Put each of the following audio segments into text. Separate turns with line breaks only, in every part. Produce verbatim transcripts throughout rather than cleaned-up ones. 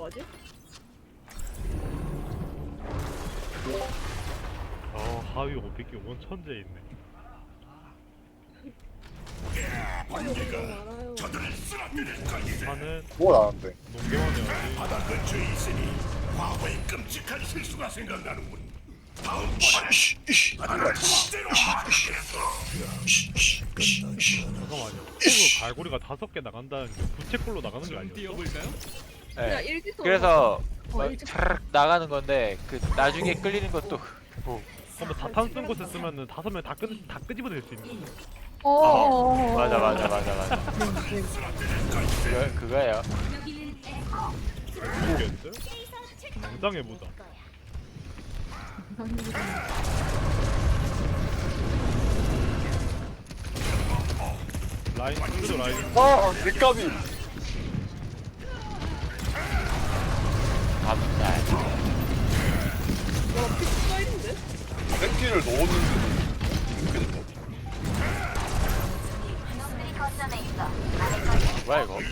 뭐하지?
어 하위 오백 개 원 천재 있네.
많아요.
하는
뭘 아는데?
농경원이야지.
바닥 근처에 있으니 과거의 끔찍한 실수가 생각나는군. 다음 바닥을 절대로
잠깐만요. 콜로 갈고리가 다섯 개 나간다는 게 부채꼴로 나가는 게 아니었어?
그냥
네.
일기토.
그래서
어,
막
일찍
차르륵 나가는 건데 그 나중에 끌리는 것도 뭐
한번 다탄 쓴 곳에 쓰면은 다섯 명 다 끄, 다 끄집어낼 수 있는 거.
어.
맞아 맞아 맞아 맞아 그거 그거예요.
모르겠는데? 당장해보자. 라인 풀도 라인.
아, 렉감이.
감사.
와, 피 쌓이는데?
렉키를 넣었는데. 이렇게 됐다.
뭐야 이거?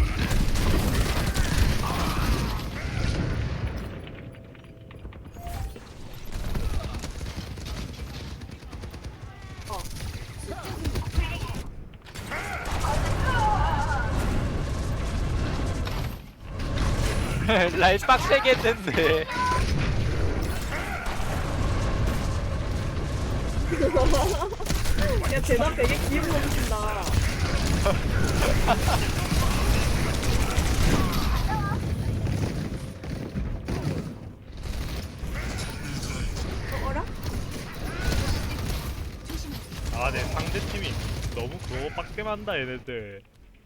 라인 빡세게 했는데.
야, 대답 되게 기분 넘친다. 어, 어라?
아, 네 상대 팀이 너무 그거 빡게 만다 얘네들.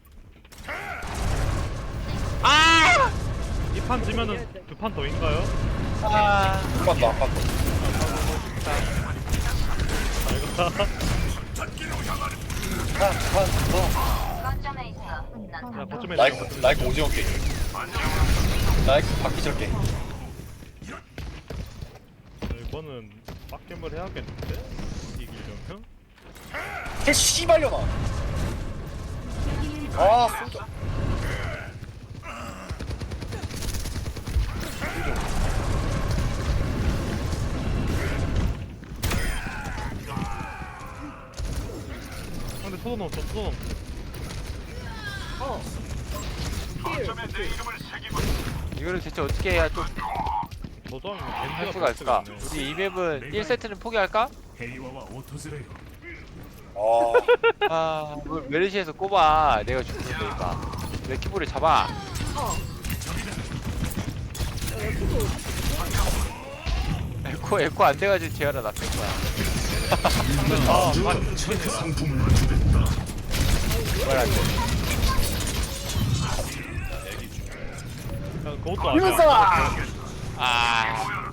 아!
이 판 지면은 두 판 더인가요?
아.
한 번 더, 한 번 더.
잘 가.
한 번 더.
야, 거점에
라이크,
내려.
라이크 오징어 게임. 라이크 바퀴절 게임.
이거는 빡겜을 해야겠는데? 이기려면?
개 씨발려나. 아, 쏘자.
근데 소도 넘었어, 소도 넘었어.
어. 필.
이거를 대체 어떻게 해야 좀
저장이
할
겐지가
수가 있을까?
있네.
우리 이 맵은 일 세트는 포기할까?
헤이와와 오토즈레요.
아,
아, 뭘 메르시에서 꼽아. 내가 죽는다니까. 내 키보를 잡아.
어. 야, 야, 피도.
에코 에코 안 돼가지고 제어라 나쁜 거야.
아,
최대 상품을 주겠다.
말 안 돼.
야, 그것도 아니야.
이문사!
아,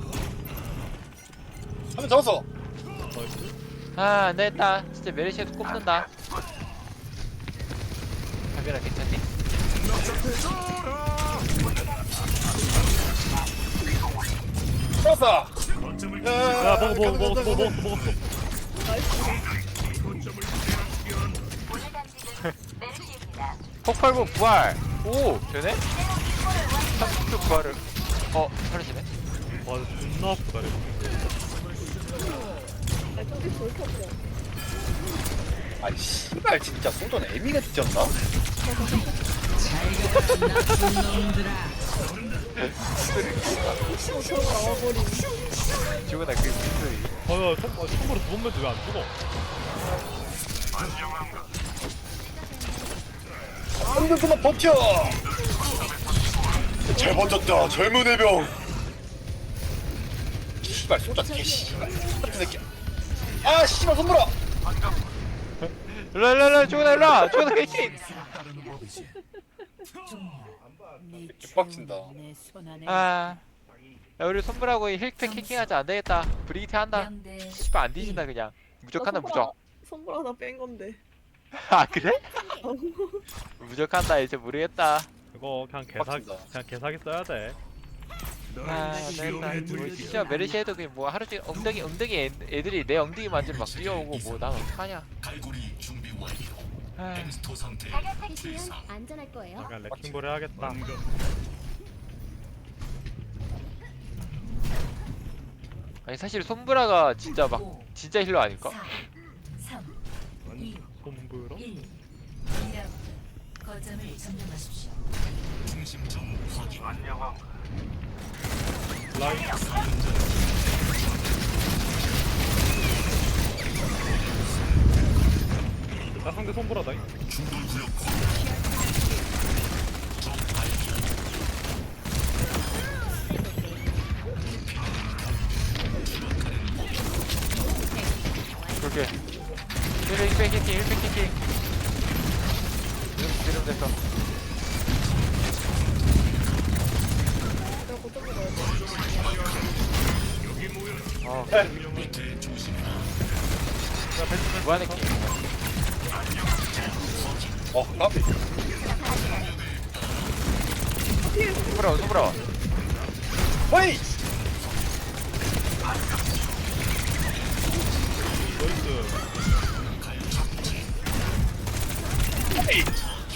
한번 잡았어.
나이스.
아, 안 되겠다. 진짜 메르시에서 꼽는다. 카메라 괜찮니?
잡았어.
야, 먹어, 먹어, 먹었어, 먹었어, 먹었어.
폭발복 부활. 오, 되네? 삼십 초 부활을. 어, 사라지네.
와, 존나 아프다, 이거.
야, 저기 볼 켰어.
아이, 씨발, 진짜 소전 애미가 뒤졌나?
저거 나와버리네.
죽어나 그 미소리.
어, 야, 총, 아, 총으로 두 번 매도 왜안 죽어?
한 번 그만 버텨! 잘 버텼다, 젊은 해병! 씨발, 소전 개 씨발. 같은 새끼야. 아, 씨발, 손보라!
일로 일로 일로 죽어나 일로 죽어나 캐킹.
개빡친다.
아, 야, 우리 손불하고 힐팩 캐킹하자. 안 되겠다. 브리기테 한다. 씨발 안 뒤진다 그냥. 무적한다 무적.
선물 하나 뺀 건데.
아 그래? 무적한다 이제 모르겠다.
이거 그냥 개사,
빡친다.
그냥 개사기 써야 돼.
아 안되겠다. 뭐 진짜 메르시 해도 그냥 뭐 하루 종일 엉덩이 엉덩이 애, 애들이 내 엉덩이 만지면 막 뛰어오고 뭐 난 어떡하냐.
갈고리 준비 완료.
아,
엠스토 상태.
해주면 안전할 거예요.
약간 레킹볼 해야겠다.
아니 사실 손브라가 진짜 막 진짜 힐러 아닐까?
아니 솜브라?
거점을 점령하십시오.
중심점 확인.
라인 나 상대 솜브라다잉.
중돌 구역 확인.
그렇게 힐백 힐백 키킹 힐백 키킹 이러면 됐어.
내가 고점 먹어야 돼.
아
밑에 조심.
야 벤츠
무한의 킹
어 까비.
손브라 손브라
헤이.
나이스.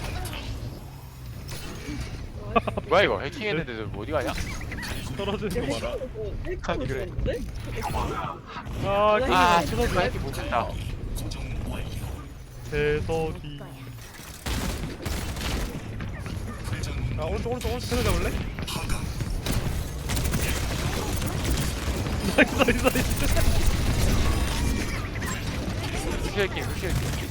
뭐야 이거 해킹했는데도 뭐 어디 가냐?
떨어지는 거 봐라.
아니, 그래.
그래?
아
아
이거
신호도 해킹 못했다.
고정 완료.
대석이. 아 오른쪽 오른쪽 오른쪽 테레 잡을래? 나이스 나이스 나이스.
루시 해킹 루시 해킹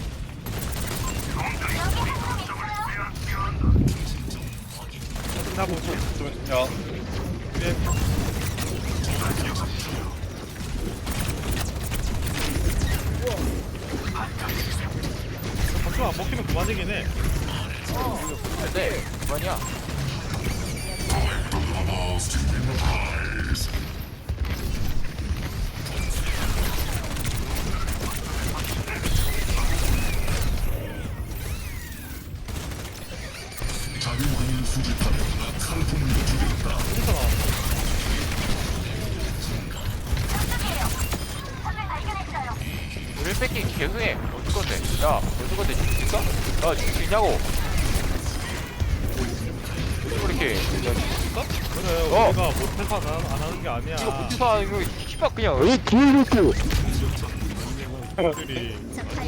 나고
야.
박수 안 먹히면 그만이긴 해.
근데 뭐냐?
자유왕을 수집하면 상품을 주겠다.
우리 뺏긴 개흥해. 어쩔 건데? 야, 어쩔 건데? 줄수 있어? 야, 줄수 있냐고? 왜 이렇게? 야, 줄수 있어?
그래
어.
우리가 못해서 안, 안 하는 게 아니야.
이거 못해서 이거 씨발 그냥 왜 뒤에놓고?
들이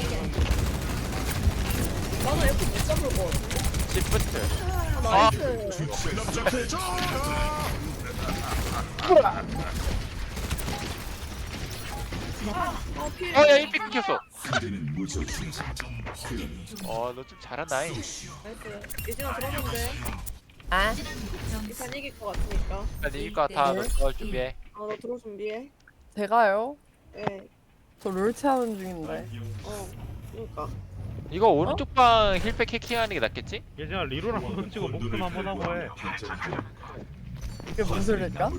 나는 F 못 잡을 것 같아.
시프트.
아, 나이스. 아, 피해.
어, 야, 일 픽 끊겼어.
그대는 무조 중심점 확인.
어, 너 좀 잘한다잉.
나이스. 예진아 들어간대.
아,
이판 이길 것 같으니까.
나 이길 것 같아. 너 들어갈 준비해.
어, 너 들어 준비해.
제가요?
예.
저 롤체하는 중인데.
어. 그러니까.
이거 오른쪽 방 힐백 해킹하는 게 낫겠지?
예전에 리로랑 손 찍고 목숨 한번 하고 해.
이게 무슨 소리일까?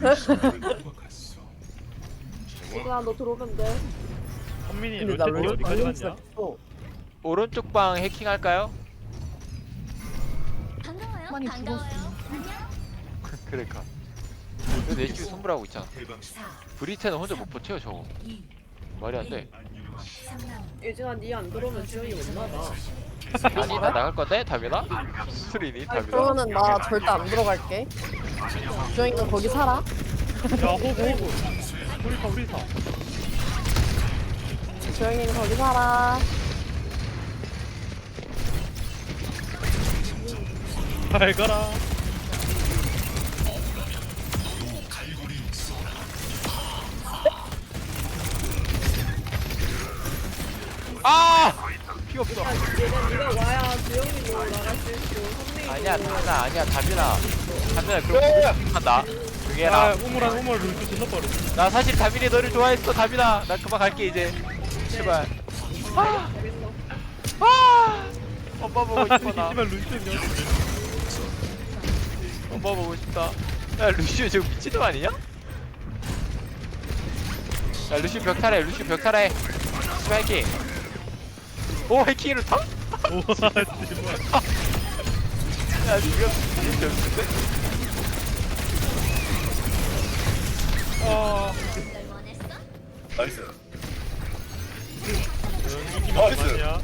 예진아 너 들어오면 돼.
선민이
근데 나
롤체티
롤
어디까지
방금
갔냐?
시작했어.
오른쪽 방 해킹할까요?
반가워요.
많이
반가워요.
그러니까. 내 집에 선물하고 있잖아. 브리테는 혼자 못 버텨 저거. 말이 안 돼.
예진아 니 안 들어오면 지영이 못 나가.
아니 나 나갈 건데 다빈아? 스리니 다빈아?
그러면은 나 절대 안 들어갈게. 주영이가 거기 살아?
야 호구 호구. 우리사 우리사.
주영이는 거기 살아.
잘 가라.
아! 피 없어.
얘는 네가 와야 지영이도 나갈 수 있고 선민이도.
아니야 다빈아 아니야 다빈아. 다빈아 그럼 한다. 조용히
야
해라.
우물한 우물 룰트 질러버려.
나 사실 다빈이 너를 좋아했어 다빈아. 나 그만 갈게 이제. 제발. 아!
알겠어.
아! 엄마 보고 싶어 나.
이지만 룰트냐?
엄마 보고 싶다. 야 루시오 지금 미친놈 아니냐? 야 루시오 벽 타래 루시오 벽 타래. 씨발 해킹. 오 해킹을 타?
우와 씨발.
야 지금 진짜 없는데?
아.
나이스.
이기면
나이스.
그만이야.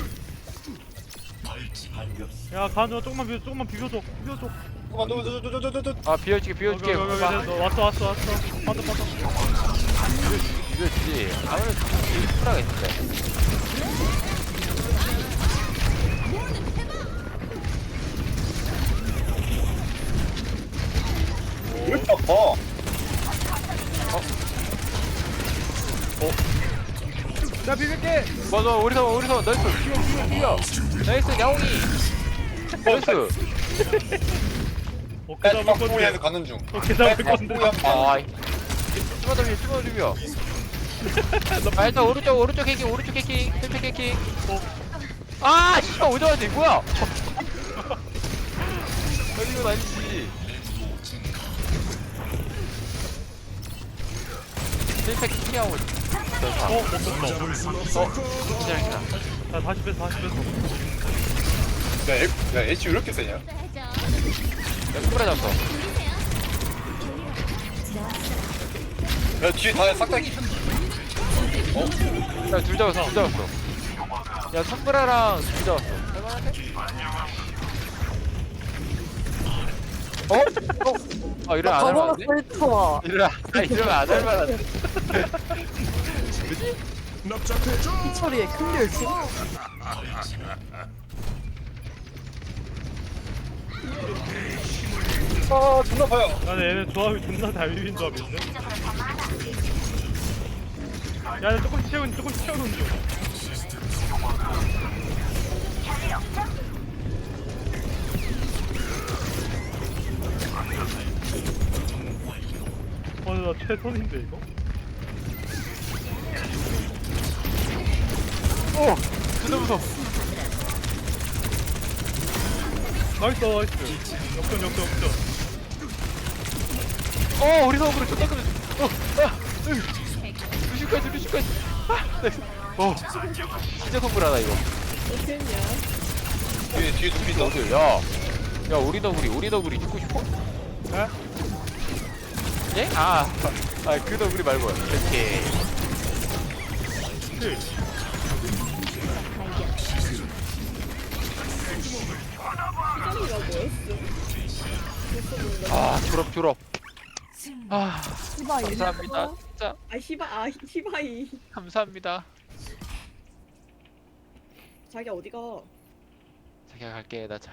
야 가져 조금만 비벼 조금만 비벼줘 비벼줘.
잠깐만, 너, 너, 너, 너, 너, 너, 너.
아 비워줄게 비워줄게.
여기, 여기, 여기,
봐봐.
여기, 왔어 왔어 왔어. 빠져 빠져.
이거지. 아무래도 쿨하가 있는데.
왜 이렇게 아파?
나 비빌게.
맞아, 우리서 우리서 나이스. 뛰어 뛰어 뛰어. 나이스 야옹이. 나이스.
어깨
야,
잡을
박보이한테
건데.
가는 중.
어깨 잡을 건데.
아이. 쭈마 더 비벼 쭈마 더 비벼. 아 일단 오른쪽 오른쪽 해킹 오른쪽 해킹 힐팩 해킹. 아 씨발 오자마자 이거 뭐야? 아니 이건 아니지. 힐팩 해킹하고.
어, 못 뺐다.
기다려.
나 다시 뺐어, 다시 뺐어.
야, 애, 야, 애쉬 왜 이렇게 세냐?
야 쿠브라 잡았어.
야, 뒤에 다 싹 다 있.
야둘 잡았어 둘 잡았어. 야 선브라랑 둘 잡았어. 할만한데? 어? 어? 아 이러면 안
저거가
할만한데?
슬퍼.
이러면 아 이러면 안 할만한데?
이 소리에 큰 결심.
아, 존나 아파요.
나는 얘는 조합이 존나 잘 비빈 조합인데. 야, 나 조금씩 채우는, 조금씩 채우는 중. 어, 나 최선인데 이거?
오! 진짜 무서워.
나이스, 나이스. 역전, 역전, 역전.
어! 우리 서브로 존나 끄면 어! 아! 으! 루시까지 루시까지 아! 나이스. 어! 진짜 선불하다 이거.
어떻게 했냐?
뒤에, 뒤에 눈빛 있다.
너들 야! 야 우리 너구리 우리 너구리 죽고 싶어?
에?
예? 아! 아 그 너구리 말고 이렇게
킬.
시장이가 뭐였음?
아 졸업 졸업 아
이봐 이
감사합니다 진짜
아 히바 아 히바이.
감사합니다
자기 어디가?
자기야 갈게 나